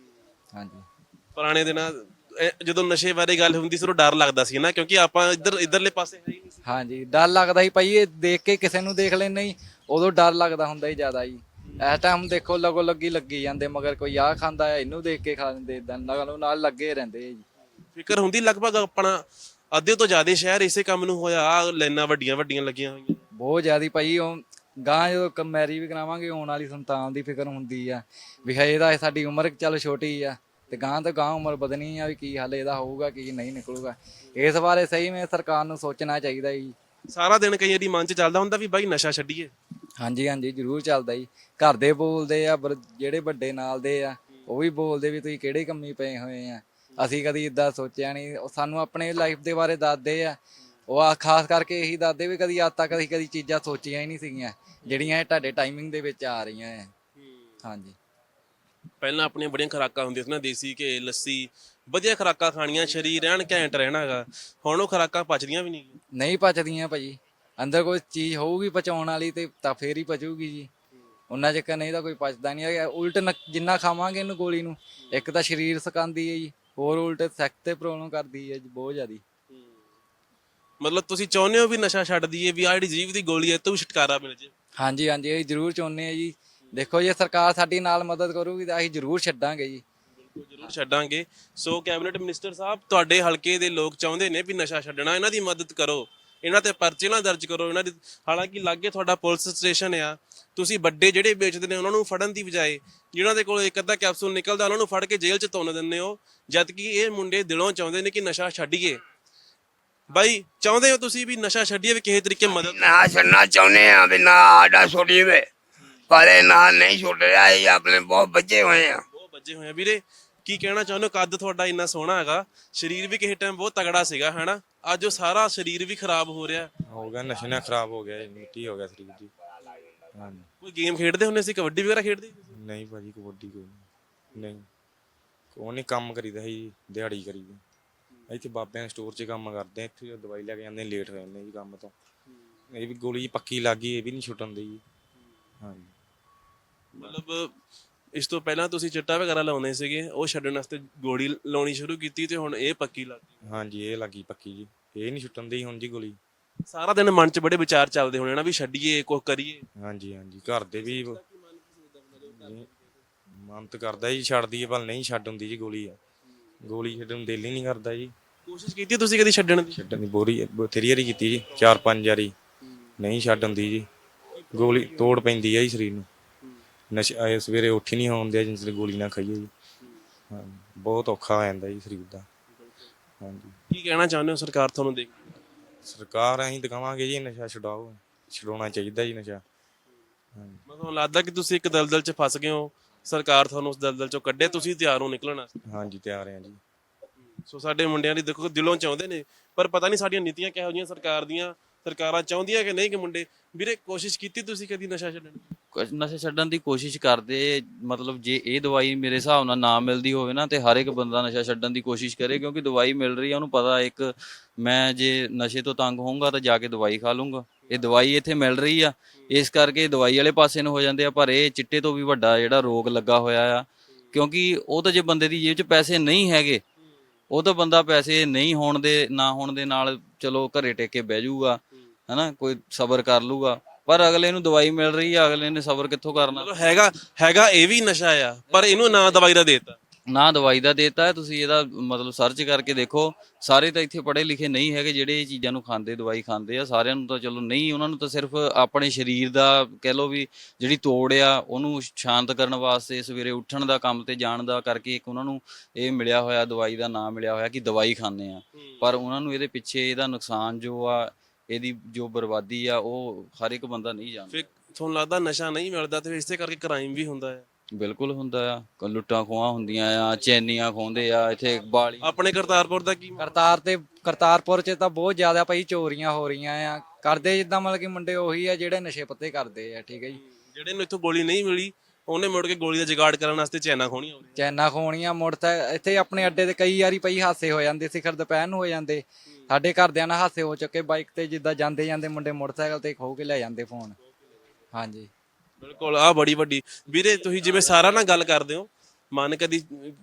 [SPEAKER 3] ਹਾਂਜੀ।
[SPEAKER 1] ਪੁਰਾਣੇ ਦਿਨਾਂ ਇਹ ਜਦੋਂ ਨਸ਼ੇ ਬਾਰੇ ਗੱਲ ਹੁੰਦੀ ਸੀ, ਉਦੋਂ ਡਰ ਲੱਗਦਾ ਸੀ ਨਾ, ਕਿਉਂਕਿ ਆਪਾਂ ਇੱਧਰ ਇੱਧਰਲੇ ਪਾਸੇ ਹੈ ਹੀ ਨਹੀਂ ਸੀ।
[SPEAKER 3] ਹਾਂਜੀ, ਡਰ ਲੱਗਦਾ ਸੀ ਭਾਈ। ਇਹ ਦੇਖ ਕੇ ਕਿਸੇ ਨੂੰ ਦੇਖ ਲੈਂਦੇ ਹੀ, ਉਦੋਂ ਡਰ ਲੱਗਦਾ ਹੁੰਦਾ ਹੀ ਜ਼ਿਆਦਾ ਜੀ। ਇਸ ਟਾਈਮ ਦੇਖੋ ਲਗੋ ਲੱਗੀ ਲੱਗੀ ਜਾਂਦੇ, ਮਗਰ ਕੋਈ ਆਹ ਖਾਂਦਾ ਆ ਇਹਨੂੰ ਦੇਖ ਕੇ ਖਾ ਲੈਂਦੇ, ਇਦਾਂ ਨਾਲ ਨਾਲ ਲੱਗੇ ਰਹਿੰਦੇ ਜੀ।
[SPEAKER 1] ਫਿਕਰ ਹੁੰਦੀ ਲਗਭਗ ਆਪਣਾ ਅੱਧੇ ਤੋਂ ਜ਼ਿਆਦਾ ਸ਼ਹਿਰ ਇਸੇ ਕੰਮ ਨੂੰ ਹੋਇਆ। ਆਹ ਲਾਈਨਾਂ ਵੱਡੀਆਂ ਵੱਡੀਆਂ ਲੱਗੀਆਂ ਹੋਈਆਂ
[SPEAKER 3] ਬਹੁਤ ਜ਼ਿਆਦੀ ਭਾਈ। ਉਹ ਗਾਂ ਜਦੋਂ ਮੈਰੀ ਵੀ ਕਰਾਵਾਂਗੇ, ਆਉਣ ਵਾਲੀ ਸੰਤਾਨ ਦੀ ਫਿਕਰ ਹੁੰਦੀ ਆ ਵੀ ਹੈ ਇਹਦਾ, ਸਾਡੀ ਉਮਰ ਚੱਲ ਛੋਟੀ ਆ ਤੇ ਗਾਂ ਤੋਂ ਗਾਂ ਉਮਰ ਵਧਣੀ ਆ, ਵੀ ਕੀ ਹਾਲ ਇਹਦਾ ਹੋਊਗਾ, ਕੀ ਨਹੀਂ ਨਿਕਲੂਗਾ। ਇਸ ਬਾਰੇ ਸਹੀ ਮੈਂ ਸਰਕਾਰ ਨੂੰ ਸੋਚਣਾ ਚਾਹੀਦਾ ਜੀ।
[SPEAKER 1] ਸਾਰਾ ਦਿਨ ਕਈ ਵਾਰੀ ਮਨ 'ਚ ਚੱਲਦਾ ਹੁੰਦਾ ਵੀ ਬਾਈ ਨਸ਼ਾ ਛੱਡੀਏ।
[SPEAKER 3] ਹਾਂਜੀ ਹਾਂਜੀ, ਜ਼ਰੂਰ ਚੱਲਦਾ ਜੀ। ਘਰ ਦੇ ਬੋਲਦੇ ਆ, ਜਿਹੜੇ ਵੱਡੇ ਨਾਲ ਦੇ ਆ ਉਹ ਵੀ ਬੋਲਦੇ ਵੀ ਤੁਸੀਂ ਕਿਹੜੇ ਕੰਮੀ ਪਏ ਹੋਏ ਆ। ਅਸੀਂ ਕਦੀ ਇਦਾਂ ਸੋਚਿਆ ਨਹੀਂ। ਉਹ ਸਾਨੂੰ ਆਪਣੇ ਲਾਈਫ ਦੇ ਬਾਰੇ ਦੱਸਦੇ ਆ। ਉਹ ਆ ਖਾਸ ਕਰਕੇ ਇਹੀ ਦੱਸਦੇ ਵੀ ਕਦੀ ਅੱਜ ਤੱਕ ਅਸੀਂ ਕਦੀ ਚੀਜ਼ਾਂ ਸੋਚੀਆਂ ਹੀ ਨਹੀਂ ਸੀਗੀਆਂ ਜਿਹੜੀਆਂ ਇਹ ਤੁਹਾਡੇ ਟਾਈਮਿੰਗ ਦੇ ਵਿੱਚ ਆ ਰਹੀਆਂ ਹੈ। ਹਾਂਜੀ।
[SPEAKER 1] ਪਹਿਲਾਂ ਆਪਣੀਆਂ ਬੜੀਆਂ ਖੁਰਾਕਾਂ ਹੁੰਦੀਆਂ ਸੀ ਨਾ, ਦੇਸੀ ਘੇ, ਲੱਸੀ, ਵਧੀਆ ਖੁਰਾਕਾਂ ਖਾਣੀਆਂ, ਸਰੀਰ ਰਹਿਣ ਘੈਂਟ ਰਹਿਣਾ ਹੈਗਾ। ਹੁਣ ਉਹ ਖੁਰਾਕਾਂ ਪਚਦੀਆਂ ਵੀ ਨਹੀਂ।
[SPEAKER 3] ਨਹੀਂ ਪਚਦੀਆਂ ਭਾਜੀ। ਅੰਦਰ ਕੋਈ ਚੀਜ਼ ਹੋਊਗੀ ਪਚਾਉਣ ਵਾਲੀ ਤੇ ਤਾਂ ਫੇਰ ਹੀ ਪਚੂਗੀ ਜੀ। ਉਹਨਾਂ ਚੱਕਰ ਨਹੀਂ ਤਾਂ ਕੋਈ ਪਚਦਾ ਨਹੀਂ ਹੈਗਾ। ਉਲਟ ਜਿੰਨਾ ਖਾਵਾਂਗੇ ਇਹਨੂੰ ਗੋਲੀ ਨੂੰ, ਇੱਕ ਤਾਂ ਸਰੀਰ ਸਕਾਉਂਦੀ ਹੈ ਜੀ, ਹੋਰ ਉਲਟ ਸੈਕਸ ਤੇ ਪ੍ਰੋਬਲਮ ਕਰਦੀ ਹੈ ਜੀ ਬਹੁਤ ਜ਼ਿਆਦੀ।
[SPEAKER 1] ਮਤਲਬ ਤੁਸੀਂ ਚਾਹੁੰਦੇ ਹੋ ਵੀ ਨਸ਼ਾ ਛੱਡ ਦਈਏ, ਵੀ ਆਹ ਜਿਹੜੀ ਜੀਵ ਦੀ ਗੋਲੀ ਹੈ ਇਹ ਤੋਂ ਵੀ ਛੁਟਕਾਰਾ ਮਿਲ ਜੇ?
[SPEAKER 3] ਹਾਂਜੀ ਹਾਂਜੀ, ਅਸੀਂ ਜ਼ਰੂਰ ਚਾਹੁੰਦੇ ਹਾਂ ਜੀ। ਦੇਖੋ ਜੇ ਸਰਕਾਰ ਸਾਡੀ ਨਾਲ ਮਦਦ ਕਰੂਗੀ ਤਾਂ ਅਸੀਂ ਜ਼ਰੂਰ ਛੱਡਾਂਗੇ ਜੀ।
[SPEAKER 1] ਜ਼ਰੂਰ ਛੱਡਾਂਗੇ। ਸੋ ਕੈਬਨਿਟ ਮਿਨਿਸਟਰ ਸਾਹਿਬ, ਤੁਹਾਡੇ ਹਲਕੇ ਦੇ ਲੋਕ ਚਾਹੁੰਦੇ ਨੇ ਵੀ ਨਸ਼ਾ ਛੱਡਣਾ, ਇਹਨਾਂ ਦੀ ਮਦਦ ਕਰੋ, ਇਹਨਾਂ ਤੇ ਪਰਚੇ ਨਾ ਦਰਜ ਕਰੋ ਇਹਨਾਂ ਦੀ। ਹਾਲਾਂਕਿ ਲਾਗੇ ਤੁਹਾਡਾ ਪੁਲਿਸ ਸਟੇਸ਼ਨ ਆ, ਤੁਸੀਂ ਵੱਡੇ ਜਿਹੜੇ ਵੇਚਦੇ ਨੇ ਉਹਨਾਂ ਨੂੰ ਫੜਨ ਦੀ ਬਜਾਏ ਜਿਹਨਾਂ ਦੇ ਕੋਲ ਇੱਕ ਅੱਧਾ ਕੈਪਸੂਲ ਨਿਕਲਦਾ ਉਹਨਾਂ ਨੂੰ ਫੜ ਕੇ ਜੇਲ੍ਹ 'ਚ ਤੁੰਨ ਦਿੰਦੇ ਹੋ, ਜਦ ਕਿ ਇਹ ਮੁੰਡੇ ਦਿਲੋਂ ਚਾਹੁੰਦੇ ਨੇ ਕਿ ਨਸ਼ਾ ਛੱਡੀਏ। ਬਾਈ, ਚਾਹੁੰਦੇ ਹੋ ਤੁਸੀਂ ਵੀ ਨਸ਼ਾ ਛੱਡੀਏ, ਵੀ ਕਿਸੇ ਤਰੀਕੇ ਮਦਦ?
[SPEAKER 6] ਨਾ ਛੱਡਣਾ ਚਾਹੁੰਦੇ ਆ ਵੀ ਨਾ ਆਡਾ ਛੋੜੀ ਵੇ, ਪਰ ਇਹ ਨਾ ਨਹੀਂ ਛੁੱਟ ਰਿਹਾ। ਇਹ ਆਪਣੇ ਬਹੁਤ ਬੱਚੇ ਹੋਏ ਆ,
[SPEAKER 1] ਬਹੁਤ ਬੱਜੇ ਹੋਏ ਆ। ਵੀਰੇ ਕੀ ਕਹਿਣਾ ਚਾਹੁੰਦੇ ਹੋ? ਕੱਦ ਤੁਹਾਡਾ ਇੰਨਾ ਸੋਹਣਾ ਹੈਗਾ, ਸਰੀਰ ਵੀ ਕਿਸੇ ਟਾਈਮ ਬਹੁਤ ਤਗੜਾ ਸੀਗਾ ਹਨਾ, ਅੱਜ ਉਹ ਸਾਰਾ ਸਰੀਰ ਵੀ ਖਰਾਬ ਹੋ ਰਿਹਾ।
[SPEAKER 4] ਹੋ ਗਿਆ ਨਸ਼ੇ ਨਾਲ ਖਰਾਬ ਹੋ ਗਿਆ ਜੀ, ਮਿੱਟੀ ਹੋ ਗਿਆ ਸਰੀਰ ਜੀ। ਹਾਂਜੀ।
[SPEAKER 1] ਕੋਈ ਗੇਮ ਖੇਡਦੇ ਹੁੰਦੇ ਸੀ, ਕਬੱਡੀ ਵਗੈਰਾ ਖੇਡਦੇ ਸੀ?
[SPEAKER 4] ਨਹੀਂ ਭਾਜੀ, ਕਬੱਡੀ ਕੋਈ ਨਹੀਂ। ਨਹੀਂ ਕੋਈ ਨਹੀਂ, ਕੰਮ ਕਰੀਦਾ ਸੀ, ਦਿਹਾੜੀ ਕਰੀਦੀ। ਇੱਥੇ ਬਾਬਿਆਂ ਦੇ ਸਟੋਰ 'ਚ ਕੰਮ ਕਰਦੇ ਆ, ਇੱਥੇ ਦਵਾਈ ਲੈ ਕੇ ਜਾਂਦੇ, ਲੇਟ ਹੋ ਜਾਂਦੇ ਜੀ ਕੰਮ ਤੋਂ। ਇਹ ਵੀ ਗੋਲੀ ਪੱਕੀ ਲੱਗ ਗਈ, ਇਹ ਵੀ ਨਹੀਂ ਛੁੱਟਣ ਦੀ ਜੀ। ਹਾਂਜੀ।
[SPEAKER 1] ਮਤਲਬ ਇਸ ਤੋਂ ਪਹਿਲਾਂ ਤੁਸੀਂ ਚਿੱਟਾ ਵਗੈਰਾ ਲਾਉਂਦੇ ਸੀਗੇ, ਉਹ ਛੱਡਣ ਵਾਸਤੇ ਗੋਲੀ ਲਾਉਣੀ ਸ਼ੁਰੂ ਕੀਤੀ ਤੇ ਹੁਣ ਇਹ ਪੱਕੀ ਲੱਗ ਗਈ।
[SPEAKER 4] ਹਾਂਜੀ, ਇਹ ਲੱਗੀ ਪੱਕੀ ਜੀ, ਇਹ ਨਹੀਂ ਛੁੱਟਣ ਦੀ ਹੁਣ ਜੀ ਗੋਲੀ।
[SPEAKER 1] ਸਾਰਾ ਦਿਨ ਮਨ 'ਚ ਬੜੇ ਵਿਚਾਰ ਚੱਲਦੇ ਹੋਣੇ ਨਾ ਵੀ ਛੱਡੀਏ, ਕੁਛ ਕਰੀਏ।
[SPEAKER 4] ਹਾਂਜੀ ਹਾਂਜੀ, ਘਰ ਦੇ ਵੀ ਮਨ ਤਾਂ ਕਰਦਾ ਜੀ ਛੱਡ ਦਈਏ, ਪਰ ਨਹੀਂ ਛੱਡ ਹੁੰਦੀ ਜੀ ਗੋਲੀ ਆ। ਗੋਲੀ ਛੱਡਣ ਨੂੰ ਦਿਲ ਹੀ ਨਹੀਂ ਕਰਦਾ ਜੀ।
[SPEAKER 1] ਕੋਸ਼ਿਸ਼ ਕੀਤੀ ਤੁਸੀਂ ਕਦੀ ਛੱਡਣ ਦੀ?
[SPEAKER 4] ਛੱਡਣ ਦੀ ਬੋਰੀ ਬਥੇਰੀ ਵਾਰੀ ਕੀਤੀ ਜੀ, ਚਾਰ ਪੰਜ ਵਾਰੀ, ਨਹੀਂ ਛੱਡ ਹੁੰਦੀ ਜੀ। ਗੋਲੀ ਤੋੜ ਪੈਂਦੀ ਆ ਜੀ ਸਰੀਰ ਨੂੰ, ਨਸ਼ਾ ਇਹ ਸਵੇਰੇ ਉੱਠ ਹੀ ਨਹੀਂ ਹੁੰਦੇ ਜਿੰਨੇ ਚਿਰ ਗੋਲੀ ਨਾ ਖਾਈਏ ਜੀ। ਹਾਂ, ਬਹੁਤ ਔਖਾ ਹੋ ਜਾਂਦਾ ਜੀ ਸਰੀਰ ਦਾ। ਹਾਂਜੀ,
[SPEAKER 1] ਕੀ ਕਹਿਣਾ ਚਾਹੁੰਦੇ ਹੋ ਸਰਕਾਰ ਤੁਹਾਨੂੰ ਦੇਖ ਕੇ?
[SPEAKER 4] ਸਰਕਾਰ ਅਸੀਂ ਦਿਖਾਵਾਂਗੇ ਜੀ ਨਸ਼ਾ ਛਡਾਓ, ਛਡਾਉਣਾ ਚਾਹੀਦਾ ਜੀ ਨਸ਼ਾ। ਹਾਂਜੀ,
[SPEAKER 1] ਮੈਨੂੰ ਲੱਗਦਾ ਕਿ ਤੁਸੀਂ ਇੱਕ ਦਲਦਲ 'ਚ ਫਸ ਗਏ ਹੋ, ਸਰਕਾਰ ਤੁਹਾਨੂੰ ਉਸ ਦਲਦਲ 'ਚੋਂ ਕੱਢੇ, ਤੁਸੀਂ ਤਿਆਰ ਹੋ ਨਿਕਲਣ ਵਾਸਤੇ।
[SPEAKER 4] ਹਾਂਜੀ ਤਿਆਰ ਹਾਂ ਜੀ।
[SPEAKER 1] ਸੋ ਸਾਡੇ ਮੁੰਡਿਆਂ ਦੀ ਦੇਖੋ ਦਿਲੋਂ ਚਾਹੁੰਦੇ ਨੇ, ਪਰ ਪਤਾ ਨਹੀਂ ਸਾਡੀਆਂ ਨੀਤੀਆਂ ਕਿਹੋ ਜਿਹੀਆਂ ਸਰਕਾਰ ਦੀਆਂ, ਸਰਕਾਰਾਂ ਚਾਹੁੰਦੀਆਂ ਕਿ ਨਹੀਂ ਕਿ ਮੁੰਡੇ। ਵੀਰੇ ਕੋਸ਼ਿਸ਼ ਕੀਤੀ ਤੁਸੀਂ ਕਦੀ ਨਸ਼ਾ ਛੱਡਣ ਦੀ?
[SPEAKER 2] ਕੁਛ ਨਸ਼ਾ ਛੱਡਣ ਦੀ ਕੋਸ਼ਿਸ਼ ਕਰਦੇ, ਮਤਲਬ ਜੇ ਇਹ ਦਵਾਈ ਮੇਰੇ ਹਿਸਾਬ ਨਾਲ ਨਾ ਮਿਲਦੀ ਹੋਵੇ ਨਾ ਤੇ ਹਰ ਇੱਕ ਬੰਦਾ ਨਸ਼ਾ ਛੱਡਣ ਦੀ ਕੋਸ਼ਿਸ਼ ਕਰੇ, ਕਿਉਂਕਿ ਦਵਾਈ ਮਿਲ ਰਹੀ ਆ ਉਹਨੂੰ ਪਤਾ ਇੱਕ ਮੈਂ ਜੇ ਨਸ਼ੇ ਤੋਂ ਤੰਗ ਹੋਊਂਗਾ ਤਾਂ ਜਾ ਕੇ ਦਵਾਈ ਖਾ ਲੂੰਗਾ। ਇਹ ਦਵਾਈ ਇੱਥੇ ਮਿਲ ਰਹੀ ਆ, ਇਸ ਕਰਕੇ ਦਵਾਈ ਵਾਲੇ ਪਾਸੇ ਨੂੰ ਹੋ ਜਾਂਦੇ ਆ। ਪਰ ਇਹ ਚਿੱਟੇ ਤੋਂ ਵੀ ਵੱਡਾ ਜਿਹੜਾ ਰੋਗ ਲੱਗਾ ਹੋਇਆ ਆ, ਕਿਉਂਕਿ ਉਹ ਤਾਂ ਜੇ ਬੰਦੇ ਦੀ ਜੇਬ 'ਚ ਪੈਸੇ ਨਹੀਂ ਹੈਗੇ, ਉਹ ਤਾਂ ਬੰਦਾ ਪੈਸੇ ਨਹੀਂ ਹੋਣ ਦੇ ਨਾ ਹੋਣ ਦੇ ਨਾਲ ਚਲੋ ਘਰੇ ਟੇਕ ਕੇ ਬਹਿ ਜਾਊਗਾ, ਹਨਾ, ਕੋਈ ਸਬਰ ਕਰ ਲੂਗਾ। ਪਰ ਅਗਲੇ ਨੂੰ ਦਵਾਈ ਮਿਲ ਰਹੀ ਆ, ਅਗਲੇ ਨੇ ਸਬਰ ਕਿੱਥੋਂ ਕਰਨਾ?
[SPEAKER 1] ਮਤਲਬ ਹੈਗਾ ਹੈਗਾ ਇਹ ਵੀ ਨਸ਼ਾ ਆ, ਪਰ ਇਹਨੂੰ ਨਾ ਦਵਾਈ ਦਾ ਦੇਤਾ।
[SPEAKER 2] ਨਾ ਦਵਾਈ ਦਾ ਦੇਤਾ। ਤੁਸੀਂ ਇਹਦਾ ਮਤਲਬ ਸਰਚ ਕਰਕੇ ਦੇਖੋ, ਸਾਰੇ ਤਾਂ ਇੱਥੇ ਪੜ੍ਹੇ ਲਿਖੇ ਨਹੀਂ ਹੈਗੇ ਜਿਹੜੇ ਇਹ ਚੀਜ਼ਾਂ ਨੂੰ ਖਾਂਦੇ, ਦਵਾਈ ਖਾਂਦੇ ਆ। ਸਾਰਿਆਂ ਨੂੰ ਤਾਂ ਚਲੋ ਨਹੀਂ, ਉਹਨਾਂ ਨੂੰ ਤਾਂ ਸਿਰਫ ਆਪਣੇ ਸਰੀਰ ਦਾ ਕਹਿ ਲਓ ਵੀ ਜਿਹੜੀ ਤੋੜ ਆ ਉਹਨੂੰ ਸ਼ਾਂਤ ਕਰਨ ਵਾਸਤੇ ਸਵੇਰੇ ਉੱਠਣ ਦਾ, ਕੰਮ ਤੇ ਜਾਣ ਦਾ ਕਰਕੇ ਇੱਕ ਉਹਨਾਂ ਨੂੰ ਇਹ ਮਿਲਿਆ ਹੋਇਆ, ਦਵਾਈ ਦਾ ਨਾਮ ਮਿਲਿਆ ਹੋਇਆ ਕਿ ਦਵਾਈ ਖਾਂਦੇ ਆ। ਪਰ ਉਹਨਾਂ ਨੂੰ ਇਹਦੇ ਪਿੱਛੇ ਇਹਦਾ ਨੁਕਸਾਨ ਜੋ ਆ, ਇਹਦੀ ਜੋ ਬਰਬਾਦੀ ਆ, ਉਹ ਹਰ ਇੱਕ ਬੰਦਾ ਨਹੀਂ ਜਾਣਦਾ।
[SPEAKER 1] ਫਿਰ ਤੁਹਾਨੂੰ ਲੱਗਦਾ ਨਸ਼ਾ ਨਹੀਂ ਮਿਲਦਾ ਤੇ ਇਸੇ ਕਰਕੇ ਕ੍ਰਾਈਮ ਵੀ ਹੁੰਦਾ ਹੈ?
[SPEAKER 2] ਬਿਲਕੁਲ ਹੁੰਦਾ ਆ, ਲੁੱਟਾਂ ਖੋਹਾਂ ਹੁੰਦੀਆਂ ਆ, ਚੈਨੀਆਂ ਖੋਹਦੇ ਆ ਇੱਥੇ ਬਾਲੀ।
[SPEAKER 1] ਆਪਣੇ ਕਰਤਾਰਪੁਰ ਦਾ ਕੀ?
[SPEAKER 3] ਕਰਤਾਰ ਤੇ ਕਰਤਾਰਪੁਰ ਚ ਤਾਂ ਬਹੁਤ ਜ਼ਿਆਦਾ ਭਾਈ ਚੋਰੀਆਂ ਹੋ ਰਹੀਆਂ ਆ। ਕਰਦੇ ਜਿੱਦਾਂ ਮਤਲਬ ਕਿ ਮੁੰਡੇ ਉਹੀ ਆ ਜਿਹੜੇ ਨਸ਼ੇ ਪੱਤੇ ਕਰਦੇ ਆ, ਠੀਕ ਹੈ ਜੀ।
[SPEAKER 1] ਜਿਹੜੇ ਨੂੰ ਇੱਥੋਂ ਗੋਲੀ ਨਹੀਂ ਮਿਲੀ, ਉਹਨੇ ਮੁੜ ਕੇ ਗੋਲੀ ਦਾ ਜੁਗਾੜ ਕਰਨ ਵਾਸਤੇ ਚੈਨਾ ਖੋਣੀਆਂ ਹੁੰਦੀਆਂ।
[SPEAKER 3] ਚੈਨਾ ਖੋਣੀਆਂ ਮੁੜ ਤਾਂ ਇੱਥੇ ਆਪਣੇ ਅੱਡੇ ਤੇ ਕਈ ਵਾਰੀ ਪਈ ਹਾਸੇ ਹੋ ਜਾਂਦੇ, ਸਿਖਰ ਦੁਪਹਿਰ ਨੂੰ ਹੋ ਜਾਂਦੇ। ਸਾਡੇ ਘਰਦਿਆਂ ਨਾਲ ਹਾਸੇ ਹੋ ਚੁੱਕੇ, ਬਾਈਕ ਤੇ ਜਿੱਦਾਂ ਜਾਂਦੇ ਜਾਂਦੇ ਮੁੰਡੇ ਮੋਟਰਸਾਈਕਲ ਤੇ ਖੋ ਕੇ ਲੈ ਜਾਂਦੇ ਫੋਨ। ਹਾਂਜੀ
[SPEAKER 1] ਬਿਲਕੁਲ, ਆ ਬੜੀ ਵੱਡੀ। ਵੀਰੇ ਤੁਸੀਂ ਜਿਵੇਂ ਸਾਰਾ ਨਾਲ ਗੱਲ ਕਰਦੇ ਹੋ, ਮਨ ਕਦੀ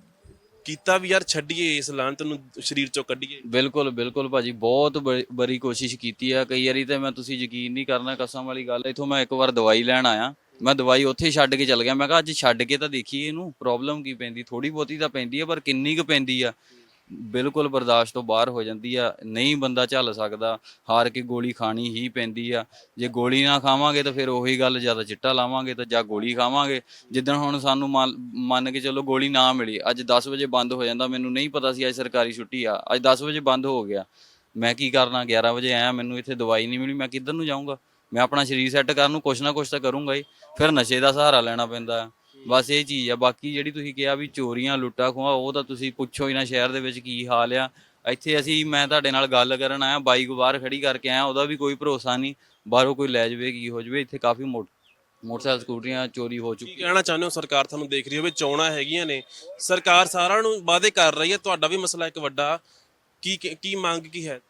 [SPEAKER 1] ਕੀਤਾ ਵੀ ਯਾਰ ਛੱਡੀਏ ਇਸ ਲਾਂਤ ਨੂੰ, ਸਰੀਰ ਚੋਂ ਕੱਢੀਏ?
[SPEAKER 2] ਬਿਲਕੁਲ ਬਿਲਕੁਲ ਭਾਜੀ, ਬਹੁਤ ਬੜੀ ਬੜੀ ਕੋਸ਼ਿਸ਼ ਕੀਤੀ ਆ। ਕਈ ਵਾਰੀ ਤੇ ਮੈਂ, ਤੁਸੀਂ ਯਕੀਨ ਨਹੀਂ ਕਰਨਾ, ਕਸਮ ਵਾਲੀ ਗੱਲ, ਇੱਥੋਂ ਮੈਂ ਇੱਕ ਵਾਰ ਦਵਾਈ ਲੈਣ ਆਇਆ, ਮੈਂ ਦਵਾਈ ਉੱਥੇ ਛੱਡ ਕੇ ਚਲ ਗਿਆ। ਮੈਂ ਕਿਹਾ ਅੱਜ ਛੱਡ ਕੇ ਤਾਂ ਦੇਖੀਏ ਇਹਨੂੰ ਪ੍ਰੋਬਲਮ ਕੀ ਪੈਂਦੀ। ਥੋੜੀ ਬਹੁਤੀ ਤਾਂ ਪੈਂਦੀ ਆ, ਪਰ ਕਿੰਨੀ ਕੁ ਪੈਂਦੀ ਆ? ਬਿਲਕੁਲ ਬਰਦਾਸ਼ਤ ਤੋਂ ਬਾਹਰ ਹੋ ਜਾਂਦੀ ਆ, ਨਹੀਂ ਬੰਦਾ ਝੱਲ ਸਕਦਾ, ਹਾਰ ਕੇ ਗੋਲੀ ਖਾਣੀ ਹੀ ਪੈਂਦੀ ਆ। ਜੇ ਗੋਲੀ ਨਾ ਖਾਵਾਂਗੇ ਤਾਂ ਫਿਰ ਉਹੀ ਗੱਲ, ਜਾਂ ਤਾਂ ਚਿੱਟਾ ਲਾਵਾਂਗੇ ਤਾਂ ਜਾਂ ਗੋਲੀ ਖਾਵਾਂਗੇ। ਜਿੱਦਣ ਹੁਣ ਸਾਨੂੰ ਮੰਨ ਮੰਨ ਕੇ ਚਲੋ ਗੋਲੀ ਨਾ ਮਿਲੀ, ਅੱਜ ਦਸ ਵਜੇ ਬੰਦ ਹੋ ਜਾਂਦਾ, ਮੈਨੂੰ ਨਹੀਂ ਪਤਾ ਸੀ ਅੱਜ ਸਰਕਾਰੀ ਛੁੱਟੀ ਆ, ਅੱਜ ਦਸ ਵਜੇ ਬੰਦ ਹੋ ਗਿਆ, ਮੈਂ ਕੀ ਕਰਨਾ? ਗਿਆਰਾਂ ਵਜੇ ਆਇਆ, ਮੈਨੂੰ ਇੱਥੇ ਦਵਾਈ ਨਹੀਂ ਮਿਲੀ, ਮੈਂ ਕਿੱਧਰ ਨੂੰ ਜਾਊਂਗਾ? ਮੈਂ ਆਪਣਾ ਸਰੀਰ ਸੈੱਟ ਕਰਨ ਨੂੰ ਕੁਛ ਨਾ ਕੁਛ ਤਾਂ ਕਰੂੰਗਾ ਹੀ, ਫਿਰ ਨਸ਼ੇ ਦਾ ਸਹਾਰਾ ਲੈਣਾ ਪੈਂਦਾ। ਬਸ ਇਹ ਚੀਜ਼ ਆ। ਬਾਕੀ ਜਿਹੜੀ ਤੁਸੀਂ ਕਿਹਾ ਵੀ ਚੋਰੀਆਂ ਲੁੱਟਾਂ ਖੋਹਾਂ, ਉਹ ਤਾਂ ਤੁਸੀਂ ਪੁੱਛੋ ਹੀ ਨਾ ਸ਼ਹਿਰ ਦੇ ਵਿੱਚ ਕੀ ਹਾਲ ਆ। ਇੱਥੇ ਅਸੀਂ, ਮੈਂ ਤੁਹਾਡੇ ਨਾਲ ਗੱਲ ਕਰਨ ਆਇਆ, ਬਾਈਕ ਬਾਹਰ ਖੜੀ ਕਰਕੇ ਆਇਆ, ਉਹਦਾ ਵੀ ਕੋਈ ਭਰੋਸਾ ਨਹੀਂ, ਬਾਹਰੋਂ ਕੋਈ ਲੈ ਜਾਵੇ ਕੀ ਹੋ ਜਾਵੇ। ਇੱਥੇ ਕਾਫੀ ਮੋਟ ਮੋਟਰਸਾਈਕਲ ਸਕੂਟਰੀਆਂ ਚੋਰੀ ਹੋ
[SPEAKER 1] ਕੀ
[SPEAKER 2] ਚੁੱਕੀ।
[SPEAKER 1] ਕਹਿਣਾ ਚਾਹੁੰਦੇ ਹੋ? ਸਰਕਾਰ ਤੁਹਾਨੂੰ ਦੇਖ ਰਹੀ ਹੋਵੇ, ਚੋਣਾਂ ਹੈਗੀਆਂ ਨੇ, ਸਰਕਾਰ ਸਾਰਿਆਂ ਨੂੰ ਵਾਅਦੇ ਕਰ ਰਹੀ ਹੈ, ਤੁਹਾਡਾ ਵੀ ਮਸਲਾ ਇੱਕ ਵੱਡਾ, ਕੀ ਕੀ ਮੰਗ ਕੀ ਹੈ?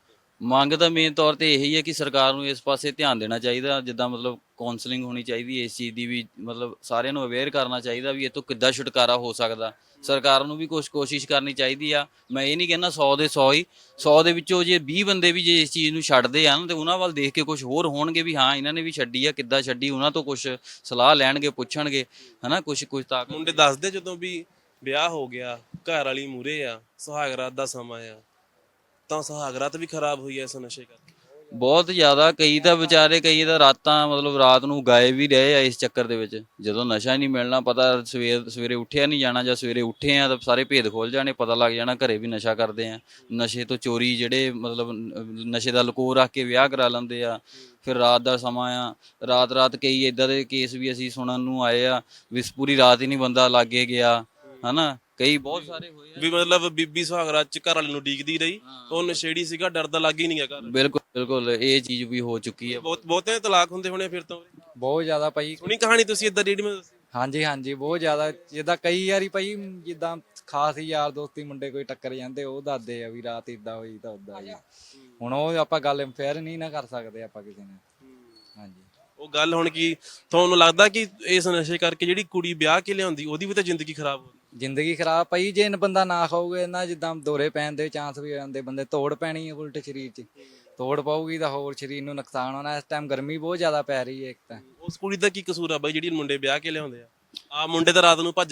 [SPEAKER 2] ਮੰਗ ਤਾਂ ਮੇਨ ਤੌਰ ਤੇ ਇਹੀ ਹੈ ਕਿ ਸਰਕਾਰ ਨੂੰ ਇਸ ਪਾਸੇ ਧਿਆਨ ਦੇਣਾ ਚਾਹੀਦਾ। ਜਿੱਦਾਂ ਮਤਲਬ ਕਾਉਂਸਲਿੰਗ ਹੋਣੀ ਚਾਹੀਦੀ ਹੈ ਇਸ ਚੀਜ਼ ਦੀ ਵੀ, ਮਤਲਬ ਸਾਰਿਆਂ ਨੂੰ ਅਵੇਅਰ ਕਰਨਾ ਚਾਹੀਦਾ ਵੀ ਇਹ ਤੋਂ ਕਿੱਦਾਂ ਛੁਟਕਾਰਾ ਹੋ ਸਕਦਾ। ਸਰਕਾਰ ਨੂੰ ਵੀ ਕੁਛ ਕੋਸ਼ਿਸ਼ ਕਰਨੀ ਚਾਹੀਦੀ ਆ। ਮੈਂ ਇਹ ਨਹੀਂ ਕਹਿੰਦਾ ਸੌ ਦੇ ਸੌ ਹੀ, ਸੌ ਦੇ ਵਿੱਚੋਂ ਜੇ ਵੀਹ ਬੰਦੇ ਵੀ ਜੇ ਇਸ ਚੀਜ਼ ਨੂੰ ਛੱਡਦੇ ਆ ਨਾ, ਤੇ ਉਹਨਾਂ ਵੱਲ ਦੇਖ ਕੇ ਕੁਝ ਹੋਰ ਹੋਣਗੇ ਵੀ ਹਾਂ ਇਹਨਾਂ ਨੇ ਵੀ ਛੱਡੀ ਆ, ਕਿੱਦਾਂ ਛੱਡੀ, ਉਹਨਾਂ ਤੋਂ ਕੁਝ ਸਲਾਹ ਲੈਣਗੇ, ਪੁੱਛਣਗੇ, ਹਨਾ, ਕੁਛ ਕੁਛ ਤਾਂ
[SPEAKER 1] ਮੁੰਡੇ ਦੱਸਦੇ ਜਦੋਂ ਵੀ ਵਿਆਹ ਹੋ ਗਿਆ, ਘਰ ਵਾਲੀ ਮੂਰੇ ਆ, ਸੁਹਾਗ ਰਾਤ ਦਾ ਸਮਾਂ ਆ, ਤਾਂ ਸੁਹਾਗ ਰਾਤ ਵੀ ਖਰਾਬ ਹੋਈ ਐ ਇਸ ਨਸ਼ੇ ਕਰਕੇ।
[SPEAKER 2] ਬਹੁਤ ਜ਼ਿਆਦਾ। ਕਈ ਤਾਂ ਵਿਚਾਰੇ, ਕਈ ਤਾਂ ਰਾਤਾਂ ਮਤਲਬ ਰਾਤ ਨੂੰ ਗਾਏ ਵੀ ਰਹੇ ਆ ਇਸ ਚੱਕਰ ਦੇ ਵਿੱਚ। ਜਦੋਂ ਨਸ਼ਾ ਨਹੀਂ ਮਿਲਣਾ, ਪਤਾ ਸਵੇਰ ਸਵੇਰੇ ਉੱਠਿਆ ਨਹੀਂ ਜਾਣਾ, ਜਾਂ ਸਵੇਰੇ ਉੱਠੇ ਆ ਤਾਂ ਸਾਰੇ ਭੇਦ ਖੋਲ ਜਾਣੇ, ਪਤਾ ਲੱਗ ਜਾਣਾ ਘਰੇ ਵੀ ਨਸ਼ਾ ਕਰਦੇ ਆ। ਨਸ਼ੇ ਤੋਂ ਚੋਰੀ, ਜਿਹੜੇ ਮਤਲਬ ਨਸ਼ੇ ਦਾ ਲਕੋ ਰੱਖ ਕੇ ਵਿਆਹ ਕਰਾ ਲੈਂਦੇ ਆ। ਫਿਰ ਰਾਤ ਦਾ ਸਮਾਂ ਆ, ਰਾਤ ਰਾਤ ਕਈ ਇੱਦਾਂ ਦੇ ਕੇਸ ਵੀ ਅਸੀਂ ਸੁਣਨ ਨੂੰ ਆਏ ਆ ਵੀ ਪੂਰੀ ਰਾਤ ਹੀ ਨਹੀਂ ਬੰਦਾ ਲਾਗੇ ਗਿਆ, ਹਨਾ, ਕਈ ਬਹੁਤ ਸਾਰੇ ਹੋਏ ਆ
[SPEAKER 1] ਵੀ ਮਤਲਬ ਬੀਬੀ ਸੁਹਾਗ ਰਾਤ ਚ ਘਰ ਵਾਲੇ ਨੂੰ ਡੀਕਦੀ ਰਹੀ, ਉਹ ਨਸ਼ੇੜੀ ਸੀਗਾ, ਡਰਦਾ ਲੱਗ ਹੀ ਨਹੀਂ ਗਿਆ ਘਰ।
[SPEAKER 2] ਬਿਲਕੁਲ ਬਿਲਕੁਲ, ਇਹ ਚੀਜ਼ ਵੀ ਹੋ ਚੁੱਕੀ ਹੈ।
[SPEAKER 1] ਬਹੁਤ ਬਹੁਤੇ ਤਲਾਕ ਹੁੰਦੇ ਹੋਣੇ ਫਿਰ ਤੋਂ।
[SPEAKER 3] ਬਹੁਤ ਜ਼ਿਆਦਾ ਭਾਈ।
[SPEAKER 1] ਸੁਣੀ ਕਹਾਣੀ ਤੁਸੀਂ ਇਦਾਂ ਰੀਡ ਮੈਂ ਦੱਸੀ?
[SPEAKER 3] ਹਾਂਜੀ ਹਾਂਜੀ ਬਹੁਤ ਜ਼ਿਆਦਾ। ਜਿੱਦਾਂ ਕਈ ਵਾਰੀ ਭਾਈ, ਜਿੱਦਾਂ ਖਾਸ ਹੀ ਯਾਰ ਦੋਸਤੀ ਮੁੰਡੇ ਕੋਈ ਟੱਕਰ ਜਾਂਦੇ, ਉਹ ਦੱਸਦੇ ਆ ਵੀ ਰਾਤ ਇਦਾਂ ਹੋਈ ਤਾਂ ਉਦਾਂ ਹੋਈ। ਹੁਣ ਉਹ ਆਪਾਂ ਗੱਲ ਫੇਰ ਨਹੀਂ ਨਾ ਕਰ ਸਕਦੇ ਆਪਾਂ ਕਿਸੇ ਨਾਲ। ਹਾਂਜੀ
[SPEAKER 1] ਉਹ ਗੱਲ ਹੁਣ ਕੀ ਤੁਹਾਨੂੰ ਲੱਗਦਾ ਕਿ ਇਸ ਨਸ਼ੇ ਕਰਕੇ ਜਿਹੜੀ ਕੁੜੀ ਵਿਆਹ ਕੇ ਲਿਆਉਂਦੀ, ਉਹਦੀ ਵੀ ਤਾਂ ਜ਼ਿੰਦਗੀ ਖਰਾਬ ਹੋ ਗਈ?
[SPEAKER 3] ਜ਼ਿੰਦਗੀ ਖਰਾਬ ਭਾਈ, ਜੇ ਬੰਦਾ ਨਾ ਖਾਊਗਾ ਨਾ, ਜਿੱਦਾਂ ਦੌਰੇ ਪੈਣ ਦੇ ਚਾਂਸ ਵੀ ਹੋ ਜਾਂਦੇ, ਬੰਦੇ ਤੋੜ ਪੈਣੀ ਹੈ ਉਲਟ ਸਰੀਰ 'ਚ, ਤੋੜ ਪਾਊਗੀ ਤਾਂ ਹੋਰ ਸਰੀਰ ਨੂੰ ਨੁਕਸਾਨ ਹੋਣਾ। ਇਸ ਟਾਈਮ ਗਰਮੀ ਬਹੁਤ ਜ਼ਿਆਦਾ ਪੈ ਰਹੀ ਹੈ ਇੱਕ ਤਾਂ।
[SPEAKER 1] ਉਸ ਕੁੜੀ ਦਾ ਕੀ ਕਸੂਰ ਆ ਬਾਈ ਜਿਹੜੀ ਮੁੰਡੇ ਵਿਆਹ ਕੇ ਲਿਆਉਂਦੇ ਆ? ਆ ਮੁੰਡੇ ਤਾਂ ਰਾਤ ਨੂੰ ਭੱਜ ਗਏ,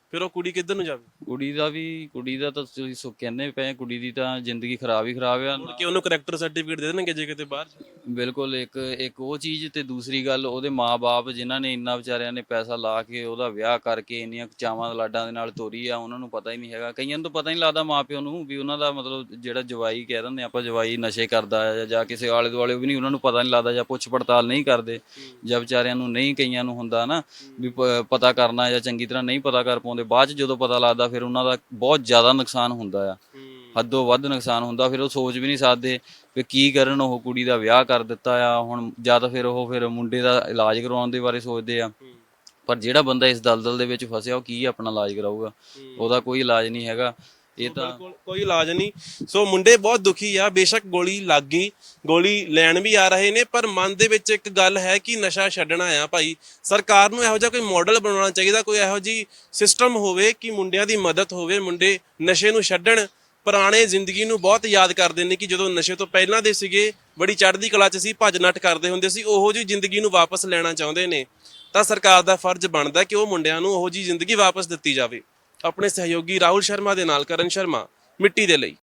[SPEAKER 1] ਫਿਰ ਉਹ ਕੁੜੀ ਕਿੱਧਰ ਨੂੰ ਜਾਵੇ?
[SPEAKER 2] ਕੁੜੀ ਦਾ ਵੀ ਕੁੜੀ ਦਾ ਤਾਂ ਤੁਸੀਂ ਸੋ ਕਹਿੰਦੇ ਪਏ, ਕੁੜੀ ਦੀ ਤਾਂ ਜ਼ਿੰਦਗੀ ਖਰਾਬ ਹੀ ਖਰਾਬ ਆ।
[SPEAKER 1] ਮੁੜ ਕੇ ਉਹਨੂੰ ਕਰੈਕਟਰ ਸਰਟੀਫਿਕੇਟ ਦੇ ਦੇਣਗੇ ਜੇ ਕਿਤੇ ਬਾਹਰ ਜਾਵੇ।
[SPEAKER 2] ਬਿਲਕੁਲ, ਇੱਕ ਇੱਕ ਉਹ ਚੀਜ਼ ਤੇ ਦੂਸਰੀ ਗੱਲ ਉਹਦੇ ਮਾਪੇ ਜਿਨ੍ਹਾਂ ਨੇ ਇੰਨਾ ਵਿਚਾਰਿਆਂ ਨੇ ਪੈਸਾ ਲਾ ਕੇ ਉਹਦਾ ਵਿਆਹ ਕਰਕੇ ਇੰਨੀਆਂ ਚਾਵਾਂ ਲਾਡਾਂ ਦੇ ਨਾਲ ਤੋਰੀ ਆ, ਉਹਨਾਂ ਨੂੰ ਪਤਾ ਹੀ ਨਹੀਂ ਹੈਗਾ। ਕਈਆਂ ਨੂੰ ਤਾਂ ਪਤਾ ਹੀ ਨਹੀਂ ਲੱਗਦਾ ਮਾਪਿਆਂ ਨੂੰ ਵੀ ਉਹਨਾਂ ਦਾ ਮਤਲਬ ਜਿਹੜਾ ਜਵਾਈ ਕਹਿ ਦਿੰਦੇ ਆਪਾਂ ਜਵਾਈ ਨਸ਼ੇ ਕਰਦਾ ਹੈ ਜਾਂ ਕਿਸੇ ਆਲੇ ਦੁਆਲੇ ਵੀ ਨਹੀਂ, ਉਹਨਾਂ ਨੂੰ ਪਤਾ ਨਹੀਂ ਲੱਗਦਾ ਜਾਂ ਪੁੱਛ ਪੜਤਾਲ ਨਹੀਂ ਕਰਦੇ, ਜਾਂ ਵਿਚਾਰਿਆਂ ਨੂੰ ਨਹੀਂ, ਕਈਆਂ ਨੂੰ ਹੁੰਦਾ ਨਾ ਵੀ ਪ- ਪਤਾ ਕਰਨਾ ਜਾਂ ਚੰਗੀ ਤਰ੍ਹਾਂ ਨਹੀਂ ਪਤਾ ਕਰ ਪਾਉਂਦੇ, ਬਾਅਦ 'ਚ ਜਦੋਂ ਪਤਾ ਲੱਗਦਾ ਫਿਰ ਉਹਨਾਂ ਦਾ ਬਹੁਤ ਜ਼ਿਆਦਾ ਨੁਕਸਾਨ ਹੁੰਦਾ ਆ, ਹੱਦੋਂ ਵੱਧ ਨੁਕਸਾਨ ਹੁੰਦਾ। ਫਿਰ ਉਹ ਸੋਚ ਵੀ ਨਹੀਂ ਸਕਦੇ ਵੀ ਕੀ ਕਰਨ, ਉਹ ਕੁੜੀ ਦਾ ਵਿਆਹ ਕਰ ਦਿੱਤਾ ਆ ਹੁਣ, ਜਾਂ ਤਾਂ ਫਿਰ ਉਹ ਫਿਰ ਮੁੰਡੇ ਦਾ ਇਲਾਜ ਕਰਵਾਉਣ ਦੇ ਬਾਰੇ ਸੋਚਦੇ ਆ। ਪਰ ਜਿਹੜਾ ਬੰਦਾ ਇਸ ਦਲਦਲ ਦੇ ਵਿੱਚ ਫਸਿਆ ਉਹ ਕੀ ਆਪਣਾ ਇਲਾਜ ਕਰਾਊਗਾ? ਉਹਦਾ ਕੋਈ ਇਲਾਜ ਨਹੀਂ ਹੈਗਾ। ਇਹ ਤਾਂ
[SPEAKER 1] ਬਿਲਕੁਲ ਕੋਈ ਇਲਾਜ ਨਹੀਂ। ਸੋ ਮੁੰਡੇ ਬਹੁਤ ਦੁਖੀ ਆ, ਬੇਸ਼ੱਕ ਗੋਲੀ ਲੱਗ ਗਈ, ਗੋਲੀ ਲੈਣ ਵੀ ਆ ਰਹੇ ਨੇ, ਪਰ ਮਨ ਦੇ ਵਿੱਚ ਇੱਕ ਗੱਲ ਹੈ ਕਿ ਨਸ਼ਾ ਛੱਡਣਾ ਆ ਭਾਈ। ਸਰਕਾਰ ਨੂੰ ਇਹੋ ਜਿਹਾ ਕੋਈ ਮਾਡਲ ਬਣਾਉਣਾ ਚਾਹੀਦਾ, ਕੋਈ ਇਹੋ ਜਿਹੀ ਸਿਸਟਮ ਹੋਵੇ ਕਿ ਮੁੰਡਿਆਂ ਦੀ ਮਦਦ ਹੋਵੇ, ਮੁੰਡੇ ਨਸ਼ੇ ਨੂੰ ਛੱਡਣ। ਪੁਰਾਣੇ ਜ਼ਿੰਦਗੀ ਨੂੰ ਬਹੁਤ ਯਾਦ ਕਰਦੇ ਨੇ ਕਿ ਜਦੋਂ ਨਸ਼ੇ ਤੋਂ ਪਹਿਲਾਂ ਦੇ ਸੀਗੇ, ਬੜੀ ਚੜ੍ਹਦੀ ਕਲਾ 'ਚ ਸੀ, ਭੱਜ ਨੱਠ ਕਰਦੇ ਹੁੰਦੇ ਸੀ, ਉਹੋ ਜਿਹੀ ਜ਼ਿੰਦਗੀ ਨੂੰ ਵਾਪਸ ਲੈਣਾ ਚਾਹੁੰਦੇ ਨੇ। ਤਾਂ ਸਰਕਾਰ ਦਾ ਫਰਜ਼ ਬਣਦਾ ਕਿ ਉਹ ਮੁੰਡਿਆਂ ਨੂੰ ਉਹੋ ਜਿਹੀ ਜ਼ਿੰਦਗੀ ਵਾਪਸ ਦਿੱਤੀ ਜਾਵੇ। ਆਪਣੇ ਸਹਿਯੋਗੀ ਰਾਹੁਲ ਸ਼ਰਮਾ ਦੇ ਨਾਲ ਕਰਨ ਸ਼ਰਮਾ, ਮਿੱਟੀ ਦੇ ਲਈ।